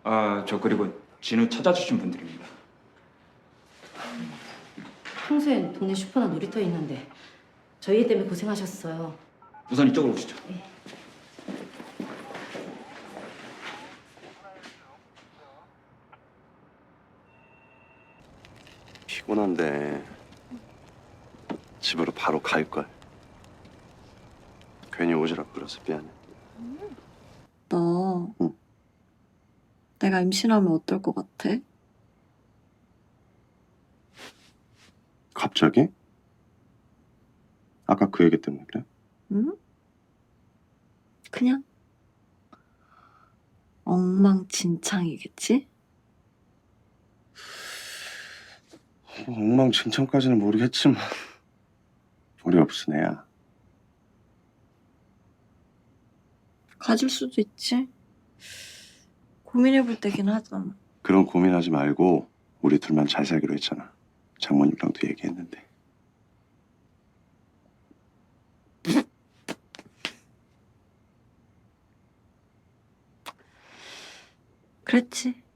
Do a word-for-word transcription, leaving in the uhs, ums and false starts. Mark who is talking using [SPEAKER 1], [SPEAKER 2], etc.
[SPEAKER 1] 아, 저 그리고 진우 찾아주신 분들입니다.
[SPEAKER 2] 평소엔 동네 슈퍼나 놀이터에 있는데 저희 애 때문에 고생하셨어요.
[SPEAKER 1] 우선 이쪽으로 오시죠.
[SPEAKER 3] 피곤한데 집으로 바로 갈걸. 괜히 오지랖 부려서 미안해.
[SPEAKER 4] 너
[SPEAKER 3] 응.
[SPEAKER 4] 내가 임신하면 어떨 것 같아?
[SPEAKER 3] 갑자기? 아까 그 얘기 때문에 그래?
[SPEAKER 4] 응? 그냥 엉망진창이겠지?
[SPEAKER 3] 엉망진창까지는 모르겠지만 우리 없은 애야.
[SPEAKER 4] 가질 수도 있지. 고민해볼 때긴 하잖아.
[SPEAKER 3] 그런 고민하지 말고 우리 둘만 잘 살기로 했잖아. 장모님랑도 얘기했는데.
[SPEAKER 4] 그랬지.